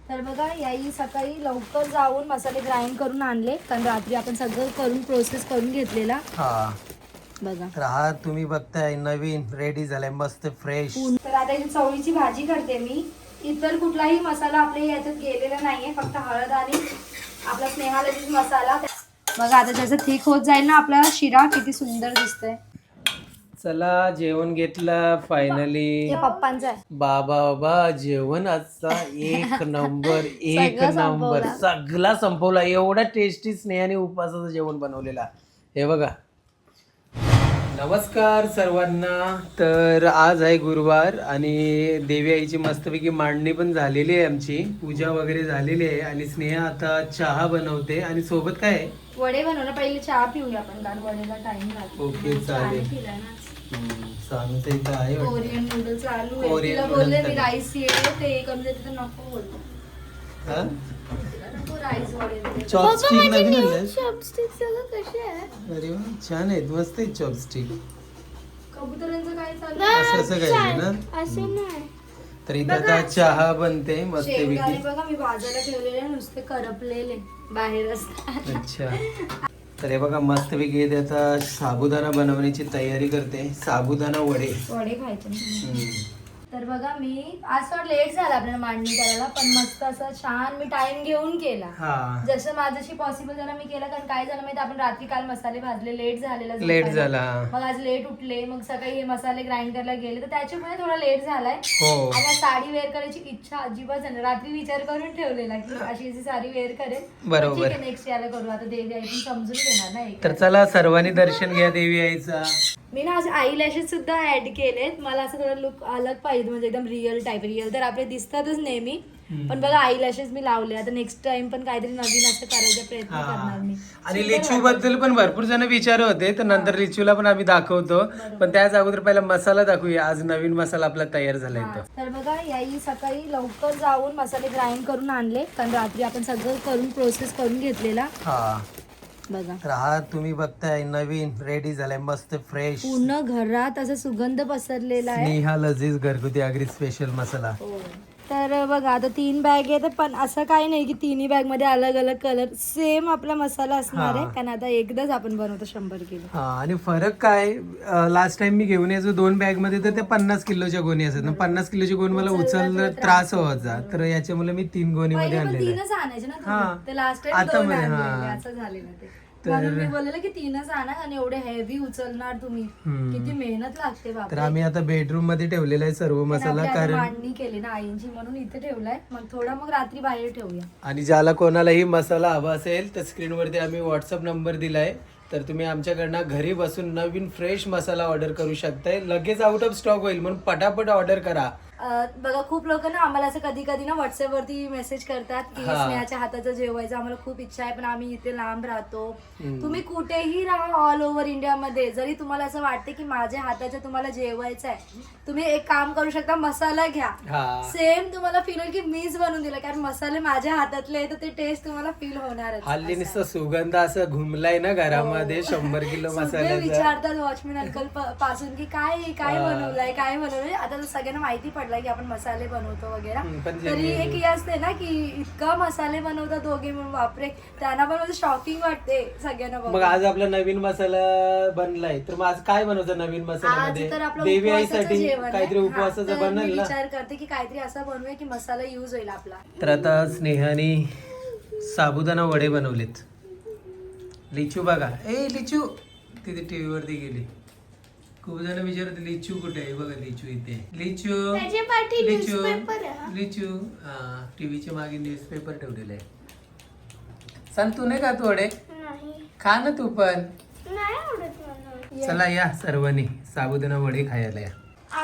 तर बघा याही सकाळी लवकर जाऊन मसाले ग्राइंड करून आणले, कारण रात्री आपण सगळं करून प्रोसेस करून घेतलेला. हा बघा तर हा तुम्ही बघताय नवीन रेडी झालाय मस्त फ्रेश. तर आता इथे चवळीची भाजी करते मी. इतर कुठलाही मसाला आपल्या याच्यात गेलेला नाहीये, फक्त हळद आणि आपला स्नेहालजीच मसाला. बघा आता जसं थिक होत जाईल ना आपला शिरा, किती सुंदर दिसतंय. चला जेवण घेतलं फायनली. हे पप्पांचं आहे. बाबा जेवण आजचा एक नंबर एक सगळं नंबर संपवलं. सगळा संपवला. एवढा टेस्टी स्नेहाने उपवासाचं जेवण बनवलेला. हे बघा. नमस्कार सर्वांना. तर आज आहे गुरुवार आणि देवी आईची मस्तपैकी मांडणी पण झालेली आहे, आमची पूजा वगैरे झालेली आहे आणि स्नेहा आता चहा बनवते आणि सोबत काय आहे? वडे बनवलं. पहिले चहा पिऊया आपण, कारण वडेला टाइम लागतो. ओके चालेल. सांगते इथं आहे वाटतं. कोरियन नूडल्स चालू आहे. कोरियन तिला बोलले noodles मी चालू. राईस ये ते कमी देते तर नको बोलतो. हा? नको राईस वडे दे. चॉपस्टिक नवीन आणलंय? चॉपस्टिक सगळं कसे आहे? अरे वा छान आहेत, मस्त आहेत चॉपस्टिक. कबुतरांचं काय चालू आहे? असं काय आहे ना. असं नाही. तर इथं आता चहा बनते शेंगदाणे मस्तपैकी. बघा मी भाजायला ठेवलेले, नुसते करपलेले बाहेर असतात. अच्छा. तर हे बघा मस्तपैकी इथे आता साबुदाणा बनवण्याची तयारी करते. साबुदाणा वडे. वडे खायचे ना. हम्म. तर बघा मी आज थोडं लेट झाला आपल्याला मांडणी करायला, पण मस्त असं छान मी टाइम घेऊन केला. हा जसं माझ्याशी पॉसिबल झालं मी केलं, कारण काय झालं माहिती, आपण रात्री काल मसाले भाजले, लेट झालेला लेट झोपायला. झाला. मग आज लेट उठले, मग सकाळी हे मसाले ग्राइंड करायला गेले, तर त्याच्यामुळे थोडा लेट झालाय. हो आणि आज साडी वेअर करायची इच्छा अजिबात झाली. रात्री विचार करून ठेवलेला की अशी अशी साडी वेअर करेल. बरोबर. ठीक आहे नेक्स्ट याला करू. आता देवी आई पण समजून घेणार ना एक. तर चला सर्वांनी दर्शन घ्या देवी आईचा. मी ना आज आई लॅशेस सुद्धा ऍड केलेत. मला असं थोडं लुक अलग पाहिजे, म्हणजे एकदम रिअल टाईप. रिअल तर आपले दिसतातच नेहमी, पण बघा आई लॅशेस मी लावले. आता नेक्स्ट टाइम पण काहीतरी नवीन असं करायचा प्रयत्न करणार मी. आणि लिचू बद्दल पण भरपूर जण विचारत होते, तर नंतर लिचूला पण आम्ही दाखवतो. पण त्याच अगोदर पहिला मसाला दाखवूया. आज नवीन मसाला आपला तयार झालाय तो. तर बघा याही सकाळी लवकर जाऊन मसाले ग्राइंड करून आणले, कारण रात्री आपण सगळं करून प्रोसेस करून घेतलेला. हा बघा तर हा तुम्ही बघताय नवीन रेडी झालाय मस्त फ्रेश. पूर्ण घरात असं सुगंध पसरलेला आहे. स्नेहा लजीज घरगुती आगरी स्पेशल मसाला. तर बघा आता 3 बॅग आहे, पण असं काही नाही की तिन्ही बॅग मध्ये अलग अलग कलर सेम आपला मसाला असणार आहे, कारण आता एकदाच आपण बनवतो 100 किलो. हा आणि फरक काय, लास्ट टाइम मी घेऊन यायचो 2 बॅग मध्ये, तर त्या 50 किलोच्या गोणी असत ना. 50 किलोची गोणी मला उचललं त्रास व्हायचा, तर याच्यामुळे मी 3 गोणी मध्ये पहिले पण आणलेलं. 3च आणायचे ना हा. तुम्ही. ते लास्ट टाइम आता 2 मध्ये, आणलेले, हा. असं झालेलं ते. म्हणून मी बोललेलं की 3च आणा, आणि एवढे हेवी उचलणार तुम्ही, किती मेहनत लागते तर बापरे. आम्ही आता बेडरूम मध्ये ठेवलेला आहे सर्व मसाला, आपली आता कारण मांडणी केली ना आईंची, म्हणून इथे ठेवलाय. मग थोडा मग रात्री बाहेर ठेवूया. आणि ज्याला कोणालाही मसाला हवा असेल तर स्क्रीनवरती आम्ही व्हॉट्सअप नंबर दिलाय, तर तुम्ही आमच्याकडनं घरी बसून नवीन फ्रेश मसाला ऑर्डर करू शकताय. लगेच आउट ऑफ स्टॉक होईल, म्हणून पटापट ऑर्डर करा. बघा खूप लोक ना आम्हाला असं कधी कधी ना व्हॉट्सअप वरती मेसेज करतात की स्नेहाच्या हाताचं जेवायचं, आम्हाला खूप इच्छा आहे, पण आम्ही इथे लांब राहतो. तुम्ही कुठेही राहा ऑल ओव्हर इंडिया मध्ये, जरी तुम्हाला असं वाटते की माझ्या हाताचं तुम्हाला जेवायचं आहे, तुम्ही एक काम करू शकता, मसाला घ्या. सेम तुम्हाला फील होईल की मीच बनवून दिलं, कारण मसाले माझ्या हातातले आहे, तर ते टेस्ट तुम्हाला फील होणारच. हल्ली नुसतं सुगंध असं घुमलाय ना घरामध्ये 100 किलो सगळे मसाल्याचा. विचारतात वॉचमॅन अंकल पासून की काय काय बनवलंय काय बनवलंय. आता तर सगळ्यांना माहिती पडलं की आपण मसाले बनवतो वगैरे, तरी एक हे असते ना की इतका मसाले बनवतात दोघे म्हणून, बापरे त्यांना पण शॉकिंग वाटते सगळ्यांना. मग आज आपला नवीन मसाला बनलाय, तर मग आज काय बनवतं नवीन मसाल्यामध्ये? तर आपलं देवी उपवासाचं आईसाठी जेवण आहे. काहीतरी उपवासाचं तर मी बनल ना. विचार करते की काहीतरी असं बनवूया की मसाला युज होईल आपला. तर आता स्नेहाने साबुदाणा वडे बनवलेत. लिचू बघा, ए लिचू तिथे टीव्ही वरती गेली. खूप जण विचारत लिचू कुठे आहे, बघा लिचू इथे. लिचू लिचू लिचू हा, टीव्हीच्या मागे न्यूजपेपर ठेवलेला आहे. सांग तू नाही खात वडे? खा ना तू पण. चला या सर्वांनी साबुदाणा वडे खायला या.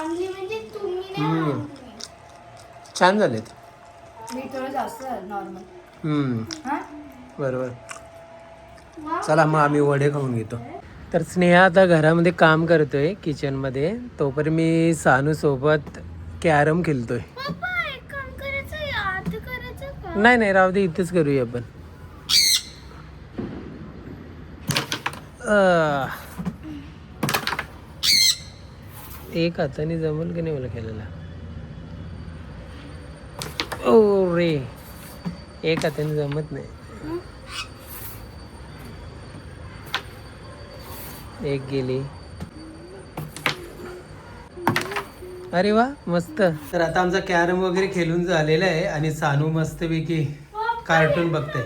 छान झालेत. मी थोडं जास्त नॉर्मल. बरोबर. चला मग आम्ही वडे खाऊन घेतो. तर स्नेहा आता घरामध्ये काम करतोय किचन मध्ये, तोपर्यंत मी सानू सोबत कॅरम खेळतोय. नाही नाही राहू दे, इथेच करूया आपण. एक हाताने जमल की नाही मला खेळायला. ओ रे एक हाताने जमत नाही. एक गेली. अरे वा मस्त. तर आता आमचा कॅरम वगैरे खेळून झालेला आहे आणि सानू मस्तपैकी कार्टून बघते.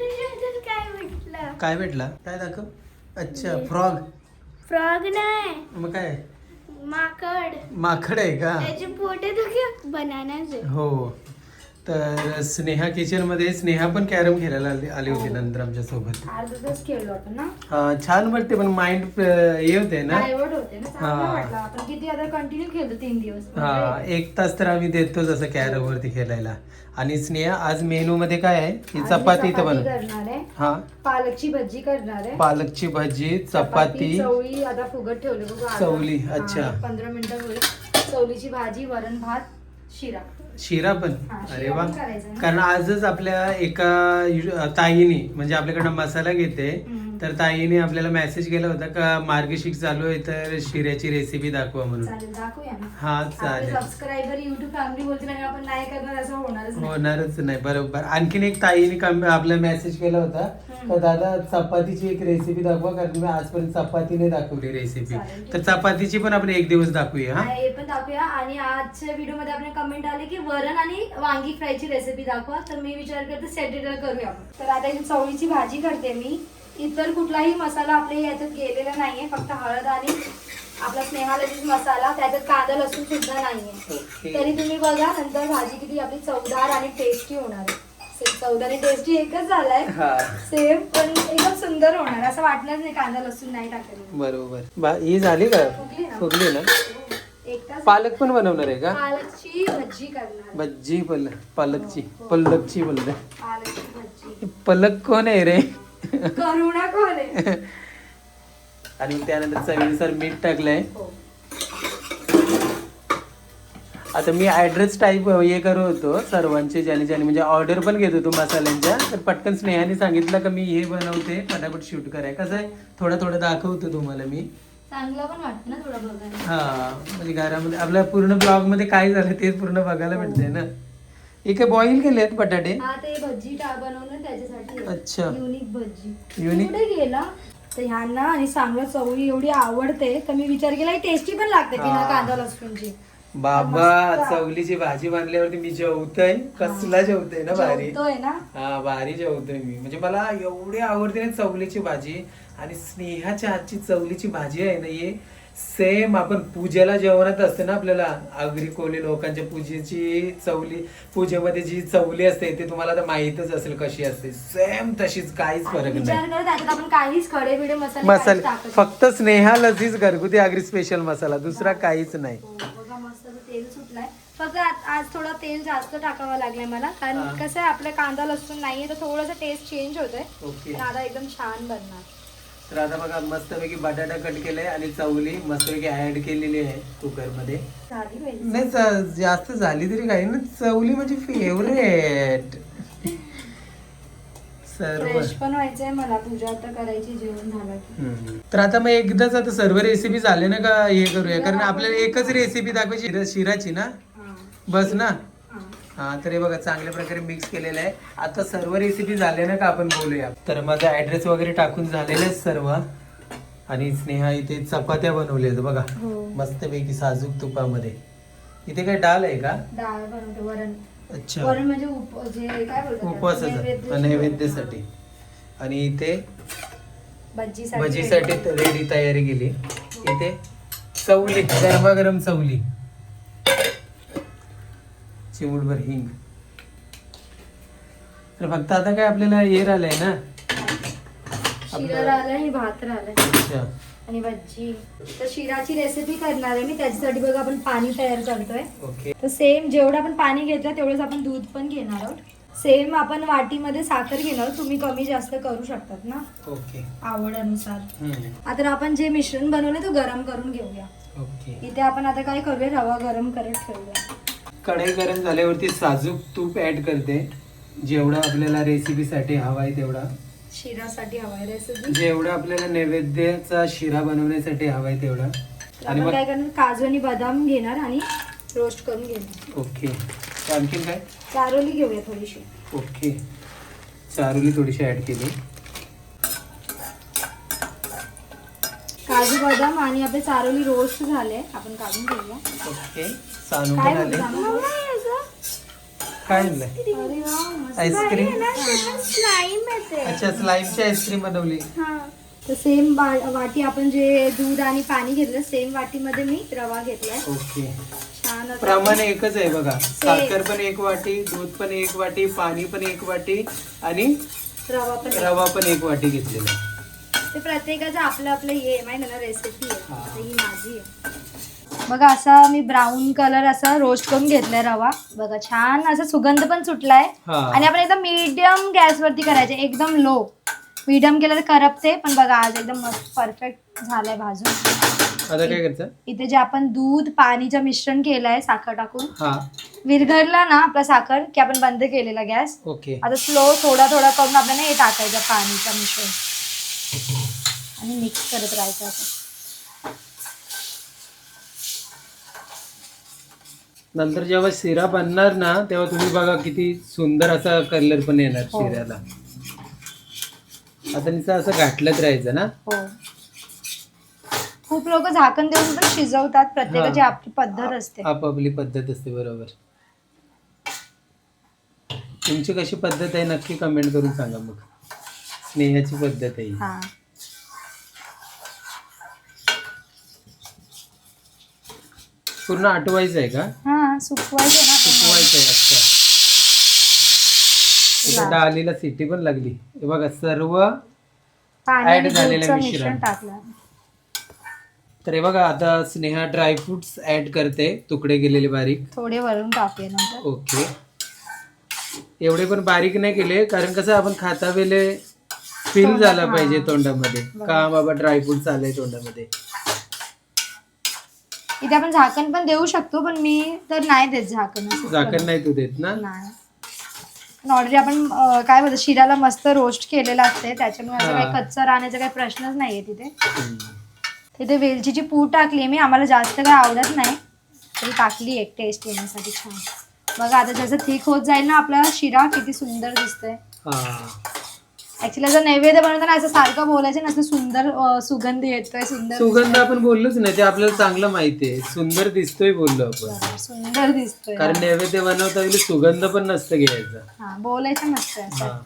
काय भेटला? काय दाखव. अच्छा फ्रॉग. फ्रॉग नाही, मग काय? माकड. माकड आहे का? त्याचे पोटे तर बनानाचे. हो. तर स्नेहा किचन मध्ये स्नेहा पण कॅरम खेळायला आली होती नंतर आमच्या सोबत. अर्धच खेळलो आपण ना. हा छान वाटते पण माइंड हे होते ना. डायव्हर्ट होते ना. चांगलं हा. वाटलं. आपण किती आता कंटिन्यू खेळतो 3 दिवस. हा 1 तास तर आम्ही देतोच असं कॅरम वरती खेळायला. आणि स्नेहा आज मेनू मध्ये काय आहे? ही आणि चपाती इथं बनव. करणार आहे. हा पालकची भजी करणार आहे. पालकची भजी, चपाती, चवळी आता फुगत ठेवले बघू आता. चवली, हा, अच्छा. 15 मिनिटं होईल. चवलीची भाजी, वरण भात, शिरा. शिरा पण. हा, अरे शिरा वा. पण करायचा ना. कारण आजच आपल्या एका ताईने म्हणजे आपल्याकडे मसाला घेते हम्म. तर ताईने आपल्याला मेसेज केला होता का मार्गशीर्ष चालू आहे तर शिऱ्याची रेसिपी दाखवा म्हणून. चालेल, दाखवूया ना. हा आपले चालेल. सबस्क्रायबर युट्यूब फॅमिली बोलतील आणि आपण नाही करणार असं होणारच नाही. होणारच नाही. बरोबर. आणखीन एक ताईने आपला मेसेज केला होता तर दादा चपातीची एक रेसिपी दाखवा कारण मी आजपर्यंत चपातीने दाखवली रेसिपी. चालेल. तर चपातीची पण आपण एक दिवस दाखवूया. हा हे पण दाखवूया. आणि आजच्या व्हिडिओ मध्ये आपले कमेंट आले की वरण आणि वांगी फ्रायची रेसिपी दाखवा. तर मी विचार करते सेटरडे करूया आपण. तर आता इथे चवळीची भाजी करते मी. इतर कुठलाही मसाला आपल्या याच्यात गेलेला नाहीये, फक्त हळद आणि आपला स्नेहालजीच मसाला. त्याच्यात कांदा लसूण सुद्धा नाहीये. ओके. तरी तुम्ही बघा नंतर भाजी किती आपली चवदार आणि टेस्टी होणार आहे. चवदार आणि टेस्टी एकच झालाय हा सेम, पण एकदम सुंदर होणार. असं वाटणार नाही कांदा लसूण नाही टाकलं. बरोबर. ही झाली का? फुगली ना? फुगली ना. एक तास पालक पण बनवणार आहे का? पालकची भजी करणार. भज्जी पालकची पलकची बोलते. पालकची भजी. पलक कोण आहे रे? करुणा कोण आहे? आणि मग त्यानंतर चवीनुसार मीठ टाकलंय. हो. आता मी ऍड्रेस टाईप हे करत होतो सर्वांचे ज्याने म्हणजे ऑर्डर पण घेत होतो मसाल्यांच्या. तर पटकन स्नेहाने सांगितलं का मी हे बनवते फटाफट शूट कराय. कसं आहे थोडं दाखवतो तुम्हाला मी. चांगलं पण वाटतं ना थोडं बघायला. हा म्हणजे घरामध्ये आपल्या पूर्ण ब्लॉग मध्ये काय झालं ते पूर्ण बघायला भेटतंय ना. हे काय बॉईल केलेत बटाटे? हा ते भजी बनवलं त्याच्यासाठी. अच्छा. युनिक भजी. Unique? कुठे गेला? तर ह्यांना आणि चांगलं चवळी एवढी आवडते तर मी विचार केला टेस्टी पण लागते बिना हा. कांदा लसूणची. बाबा मस्त. चवलीची भाजी बांधल्यावरती मी जेवतोय. कसला जेवतोय ना भारी. जेवतोय ना. हा भारी जेवतोय मी. म्हणजे मला एवढी आवडते ना चवलीची भाजी. आणि स्नेहाच्या हातची चवलीची भाजी आहे ना हे सेम आपण पूजेला जेवणात असते ना आपल्याला आगरी कोळी लोकांच्या पूजेची चवली पूजेमध्ये जी चवली असते ते तुम्हाला तर माहितच असेल कशी असते. सेम तशीच काहीच आणि फरक विचार नाही. करत त्याच्यात आपण काहीच खडे बिडे मसाले मसाले काहीच टाकत फक्त स्नेहा लजीज घरगुती आगरी स्पेशल मसाला दुसरा काहीच नाही. हो, बघा मस्त असं तेल सुटलंय. फक्त आज थोडं तेल जास्त टाकावं लागलंय मला कारण हा. कसं आहे आपलं कांदा लसूण नाहीये तर थोडंसं टेस्ट चेंज होतोय. ओके. पण आता एकदम छान बनणार. तर आता बघा मस्तपैकी बटाटा कट केलाय आणि चवली मस्तपैकी ऍड केलेली आहे कुकर मध्ये. झाली पाहिजे. नाही जास्त झाली तरी काही ना. चवली म्हणजे फेवरेट. सर्व फ्रेश पण व्हायचंय मला. पूजा आता करायची जेवण झालं की. तर आता मग एकदाच आता सर्व रेसिपी झाले ना का हे करूया कारण आपल्याला एकच रेसिपी दाखवायची शिराची ना हा. बस ना. हा. हा तर हे बघा चांगल्या प्रकारे मिक्स केलेलं आहे. आता सर्व रेसिपी झाले ना का आपण बोलूया. तर माझा ऍड्रेस वगैरे टाकून झालेले आहेत सर्व. आणि स्नेहा इथे चपात्या बनवल्या आहेत बघा हो. मस्तपैकी साजूक तुपामध्ये. इथे काय डाळ आहे का? डाळ बनवते वरण. अच्छा वरण म्हणजे जे काय बोलतात उपवासाचं नैवेद्यासाठी. आणि इथे भजीसाठी भजीसाठी रेडी तयारी केली. इथे चवली गरमागरम चवली. चिमूटभर हिंग. तर फक्त आता काय आपल्याला हे राहिलंय ना. शिरा राहिलाय आणि भात राहिलाय अच्छा. आणि भजी. तर शिराची रेसिपी करणार आहे मी. त्याच्यासाठी बघा आपण पाणी तयार करतोय. ओके. तर सेम जेवढं आपण पाणी घेतलं तेवढंच आपण दूध पण घेणार आहोत. सेम आपण वाटीमध्ये साखर घेणार आहोत. तुम्ही कमी जास्त करू शकतात ना ओके. आवडीनुसार. हम्म. आता आपण जे मिश्रण बनवलंय तो गरम करून घेऊया. ओके. इथे आपण आता काय करूया रवा गरम करत ठेवूया. कढई गरम झाल्यावरती साजूक तूप ऍड करते. जेवढा आपल्याला रेसिपीसाठी हवा आहे तेवढा. शिरासाठी हवाय रेसिपी. जेवढा आपल्याला नैवेद्याचा शिरा बनवण्यासाठी हवाय तेवढा. आणि आपण मग काय करणार काजू आणि बदाम घेणार आणि रोस्ट करून घेऊया. ओके. आणखीन काय? चारोली घेऊया थोडीशी. ओके. चारोली थोडीशी ऍड केली. काजू बदाम आणि आपले चारोली रोस्ट झाले, आपण काढून घेऊया. ओके. सानू काय पण आले. बोलता? काय आणलंय? अरे वा, मस्त. आईस्क्रीम. स्लाईम येते. अच्छा, स्लाईमची आईस्क्रीम बनवली. हा. तर सेम वाटी आपण जे दूध आणि पाणी घेतलं सेम वाटीमध्ये मी रवा घेतलाय. ओके. छान होतं. प्रमाण एकच आहे बघा. साखर पण 1 वाटी, दूध पण 1 वाटी, पाणी पण 1 वाटी आणि रवा पण 1 वाटी घेतलेला आहे. ते प्रत्येकाचं आपलं आपलं हे माहिती ना रेसिपी आहे. हा. आता ही माझी आहे. बघा असा मी ब्राऊन कलर असा रोस्ट करून घेतलाय रवा. बघा छान असा सुगंध पण सुटलाय. हा. आणि आपण एकदम मीडियम गॅसवरती करायचे, एकदम लो. मीडियम केलं तर करपते, पण बघा आज एकदम मस्त परफेक्ट झालाय भाजून. आता काय करायचं? इथे जे आपण दूध पाणीचं मिश्रण केलंय साखर टाकून, हा. विरघळला ना आपला साखर की आपण बंद केलेला गॅस. ओके. आता स्लो थोडा थोडा करून आपल्याला हे टाकायचं पाणीचं मिश्रण आणि मिक्स करत राहायचं. आता नंतर जेव्हा शिरा बनणार ना तेव्हा तुम्ही बघा किती सुंदर असा कलर पण येणार हो. शिऱ्याला. आता नुसतं असं घाटलंच राहायचं ना. हो. खूप लोक झाकण देऊन पण शिजवतात, प्रत्येकाची हा. आपली पद्धत असते. आपापली पद्धत असते. बरोबर. तुमची कशी पद्धत आहे नक्की कमेंट करून सांगा. मग स्नेहाची पद्धत आहे ही. हा. पूर्ण आटवायचं आहे का? हा सुकवायचं ना आपण. सुकवायचं आहे. अच्छा. इथं डालीला सिटी पण लागली. हे बघा सर्व पाणी आणि add झालेलं दूधचं मिश्रण. मिश्रण टाकलं. तर हे बघा आता स्नेहा ड्रायफ्रुट्स ऍड करते, तुकडे केलेले बारीक. थोडे वरून टाकूया नंतर. ओके. एवढे पण बारीक नाही केले कारण कसं आपण खाता वेळे फील झाला हा. पाहिजे तोंडामध्ये बरोबर. का बाबा ड्रायफ्रुट्स आले तोंडामध्ये. इथे आपण झाकण पण देऊ शकतो, पण मी तर नाही देत झाकण. असं झाकण नाही तू देत ना. नाही. ऑलरेडी आपण काय बोलतो शिराला मस्त रोस्ट केलेलं असते, त्याच्यामुळे असं हा. काही कच्चं राहण्याचा काही प्रश्नच नाहीये तिथे. हम्म. तिथे वेलचीची पूड टाकली मी, आम्हाला जास्त काही आवडत नाही तरी टाकली एक टेस्ट येण्यासाठी. छान. बघा आता जसं थिक होत जाईल ना आपला शिरा किती सुंदर दिसतोय. हा. ऍक्च्युली जर नैवेद्य बनवताना असं सारखं बोलायचं नसतं, सुंदर सुगंध येतोय, सुंदर सुगंध दिसतोय. आपण बोललोच नाही, ते आपल्याला चांगलं माहिती आहे. सुंदर दिसतोय बोललो आपण. बरोबर, सुंदर दिसतोय. कारण नैवेद्य बनवता वेळी सुगंध पण नसतं घ्यायचा. हा बोलायचं नसतं असं. हा.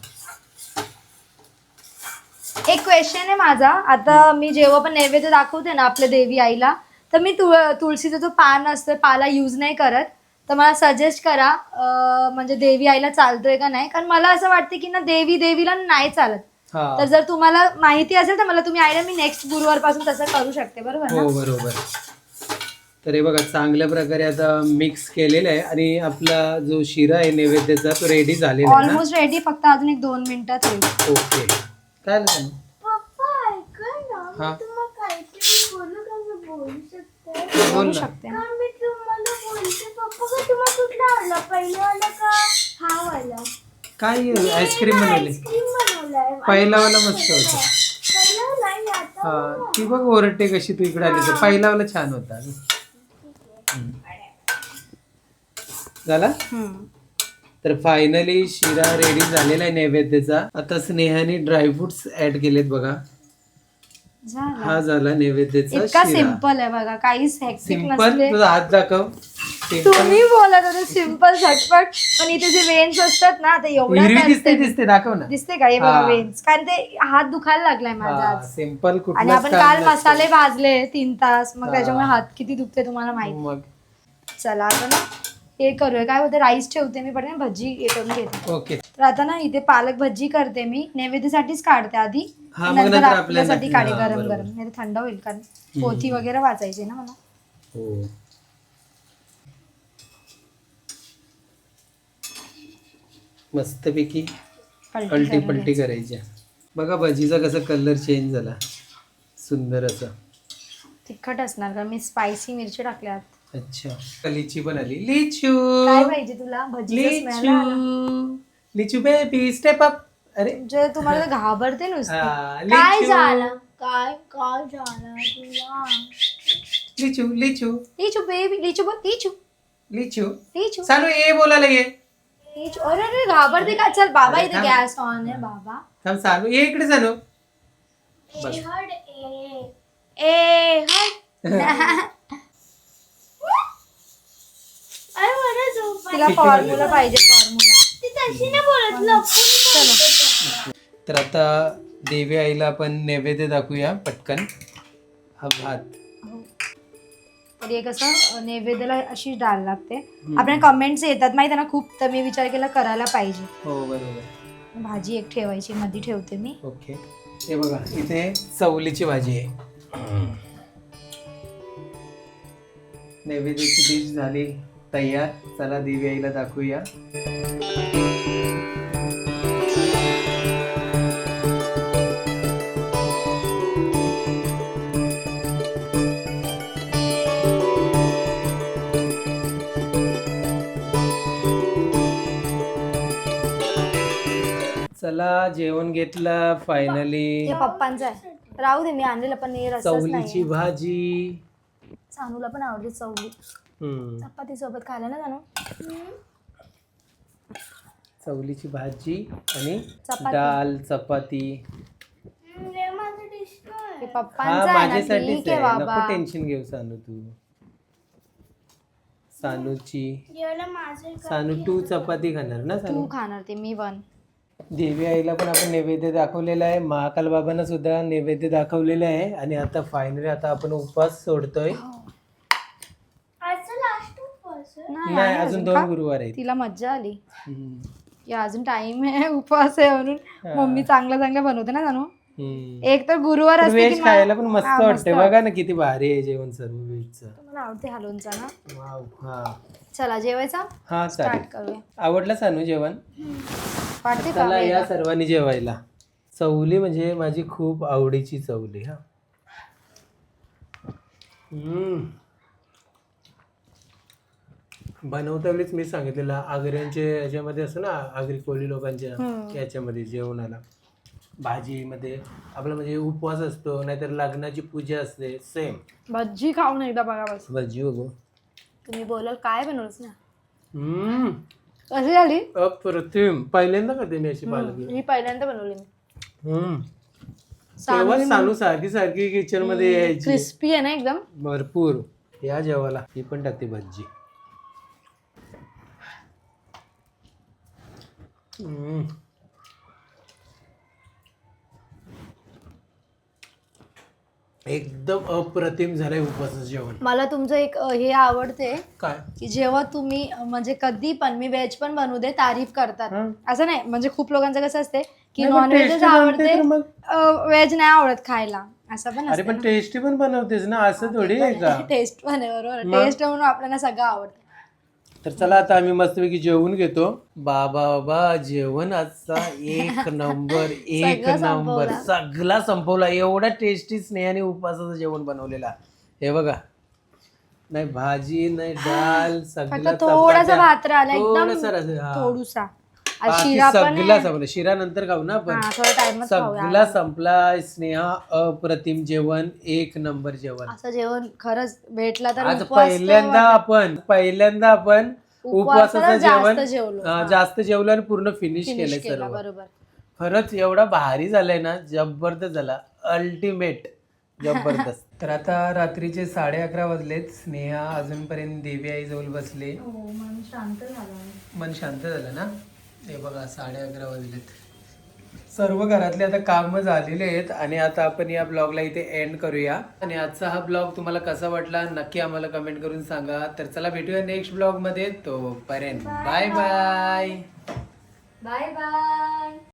एक क्वेश्चन आहे माझा. आता मी जेव्हा पण नैवेद्य दाखवते ना आपल्या देवी आईला, तर मी तुळशीचा जो पान असतो पाला यूज नाही करत. तर मला सजेस्ट करा म्हणजे देवी आईला चालतोय का नाही, कारण मला असं वाटतं की ना देवीला नाही चालत. हा. तर जर तुम्हाला माहिती असेल तर मला तुम्ही आईला मी नेक्स्ट गुरुवारपासून तसं करू शकते. बरोबर हो ना? बरोबर. तर हे बघा चांगल्या प्रकारे आता मिक्स केलेलं आहे आणि आपला जो शिरा आहे नैवेद्याचा तो रेडी झालेला आहे ना. ऑलमोस्ट रेडी, फक्त अजून एक 2 मिनिटात होईल. ओके. काय झालं? पप्पा ऐका ना, हा. मी तुम्हाला काहीतरी बोलू का? मी बोलू शकते? बोल बोलू ना. शकते. का मी तुम्हाला बोलते पप्पा का तुम्हाला कुठला आवडला, पहिला वाला का हा वाला? काय आईस्क्रीम बनवली? आईस्क्रीम बनवलाय. पहिला वाला मस्त होता. पहिला नाही आता हा. बनवा. ती बघ ओरडते कशी तू इकडे आली तर. पहिला वाला छान होता. हम्म. झाला. तर फायनली शिरा रेडी झालेला आहे नैवेद्याचा. आता स्नेहाने ड्रायफ्रुट्स ऍड केलेत बघा. झालं. हा झाला नैवेद्याचा इतका शिरा. सिम्पल आहे बघा, काहीच हेक्टिक सिंपल. नसते. तुझा हात दाखव. सिंपल. तुम्ही बोलत होते सिम्पल झटपट, पण इथे जे वेन्स असतात ना ते एवढ्या हिरवी करते. दिसते दाखव ना. दिसते का हे बघा हा. वेन्स, कारण ते हात दुखायला लागलाय माझा आज. सिंपल. आणि कुठलं आपण काल मसाले भाजले 3 तास, मग हा. त्याच्यामुळे हात किती दुखते तुम्हाला माहिती. मग चला आता ना हे करूया. काय होतं, राईस ठेवते मी, पण भजी हे करून घेते. ओके. तर आता ना इथे पालक भजी करते मी, नैवेद्यासाठीच काढते आधी, हा, मग नंतर नंतर आपल्यासाठी आपल्याला- काढे हा, गरम बरोबर. गरम, नाही तर थंड होईल, कारण पोथी वगैरे वाचायची ना मला. हो. मस्तपैकी पलटी पलटी करून पलटी घ्यायची. करायच्या. बघा भजीचा कसा कलर चेंज झाला, सुंदर असा. तिखट असणार का, मी स्पायसी मिरची टाकल्यात. अच्छा. लिची पण आली. लिचू. काय पाहिजे तुला? भजीचा स्मेल आला. Lichu. Lichu baby step up. अरे म्हणजे तुम्हाला तर घाबरते नुसतं. हा, काय लिचू. झालं? काय काय झालं तुला? लिचू लिचू. लिचू बेबी, लिचू बोल, लिचू. लिचू लिचू चालू ये बोलायला ये लिचू. अरे अरे घाबरते का? चल बाबा, इथे गॅस ऑन आहे बाबा. थांब चालू ये इकडे चालू बस. हड ए ए हट. अरे मला झोप आली. तिला फॉर्म्युला पाहिजे, फॉर्म्युला. ती तशी नाही बोलत, लपून बोलत. तर आता देवी आईला आपण नैवेद्य दाखवूया पटकन. हा भात तर हे कसं नैवेद्याला अशी डाळ लागते. आपल्या कमेंट्स येतात माहिती आहे ना खूप, तर मी विचार केला करायला पाहिजे. हो बरोबर. भाजी एक ठेवायची, मध्ये ठेवते मी. ओके हे बघा इथे चवलीची भाजी आहे. नैवेद्याची डिश झाली तयार. चला देवी आईला दाखवूया. चला जेवण घेतलं फायनली. हे पप्पांचं आहे, राहू दे. मी आणलेलं पण हे रस्साच चवलीची नाही. भाजी. सानूला पण आवडते चवली. हम्म. चपाती सोबत खायला ना जाणू. चवलीची भाजी आणि चपाती. डाल चपाती. हे माझं डिश काय? हे हा पप्पांचं आहे ना, माझ्यासाठीच ठीक आहे आहे. बाबा. नको टेन्शन घेऊ सानू तू. सानूची जेवलं माझं का? सानू तू चपाती खाणार ना तू सानू. खाणार ते, मी वन. देवी आईला पण आपण नैवेद्य दाखवलेला आहे. महाकाल बाबांना सुद्धा नैवेद्य दाखवलेलं आहे. आणि आता फायनली आता आपण उपवास सोडतोय. आजचं लास्ट उपवास आहे. नाही आहे अजून का? 2 गुरुवार आहेत. तिला मज्जा आली. हम्म. या अजून टाइम आहे, उपवास आहे म्हणून. मम्मी चांगलं चांगलं बनवते ना जाणू. हम्म. एक तर गुरुवार असते व्हेज की खायला पण मस्त हा, वाटते. बघा ना किती भारी आहे जेवण सर्व व्हेजचं. मला आवडते हलवूनचा ना. वाव. हा चला जेवायचा हा स्टार्ट चालेल. करूया. आवडलं सानू जेवण. वाटते का चला या वेगळं? सर्वांनी जेवायला. चवली म्हणजे माझी खूप आवडीची चवली. हा बनवता वेळीच मी सांगितलेलं आगऱ्यांचे याच्यामध्ये असं ना, आगरी कोळी लोकांच्या याच्यामध्ये जेवणाला भाजीमध्ये आपला म्हणजे उपवास असतो, नाहीतर लग्नाची पूजा असते, सेम भज्जी खाऊन एकदा बघा बस. भजी बघू. तुम्ही बोलाल काय बनवलंच ना. हम्म. कशी झाली? अप्रतिम. पहिल्यांदा करते मी अशी पालक. मी पहिल्यांदा बनवली मी. तेव्हा सानू सारखी सारखी किचन मध्ये यायची. क्रिस्पी आहे ना एकदम. भरपूर. या जेवायला ही पण टाकते भजी. एकदम अप्रतिम झालंय उपवासाचं जेवण. मला तुमचं एक हे आवडते काय की जेव्हा तुम्ही म्हणजे कधी पण, मी व्हेज पण बनवू दे, तारीफ करतात. असं नाही म्हणजे खूप लोकांचं कसं असते की नाही, पण नॉनव्हेजच tasty बनते आवडते, तर मग. व्हेज नाही आवडत खायला, असं पण अरे पण टेस्टी पण बनवतेस ना, असं थोडी आहे का. टेस्ट पण आहे बरोबर. टेस्ट म्हणून आपल्याला सगळं आवडतं. तर चला आता आम्ही मस्तपैकी जेवून घेतो. बाबा जेवण आजचा एक नंबर. एक सगळं नंबर. संपवला. सगळा संपवला. एवढा टेस्टी स्नेहाने उपवासाचं जेवण बनवलेला. हे बघा, नाही भाजी नाही डाल, सगळं फक्त थोडासा चपात्या. भात राहिला एकदम, थोडासा रस, हा. थोडूसा. आज बाकी शिरा पण सगळा आहे. संपला. शिरा नंतर खाऊ ना आपण. हा, थोडा टाइमच खाऊया. सगळा संपला. स्नेहा अप्रतिम जेवण, एक नंबर जेवण. असं जेवण खरंच भेटला तर आज उपवास तर पहिल्यांदा आपण उपवासाचं जेवण जेवलो. जास्त जेवलं आणि पूर्ण फिनिश केलंय केला, सर्व. बरोबर. खरंच एवढा भारी झालाय ना, जबरदस्त झाला. अल्टिमेट जबरदस्त. तर आता रात्रीचे 11:30 वाजलेत. स्नेहा अजूनपर्यंत देवी आई जवळ बसले. मन शांत झालं. मन शांत झालं ना. हे बघा 11:30 वाजलेत. सर्व घरातले आता काम झालेले आहेत. आणि आता आपण या ब्लॉगला इथे एंड करूया. आणि आजचा हा ब्लॉग तुम्हाला कसा वाटला नक्की आम्हाला कमेंट करून सांगा. तर चला भेटूया नेक्स्ट ब्लॉग मध्ये. तोपर्यंत बाय बाय. Bye bye.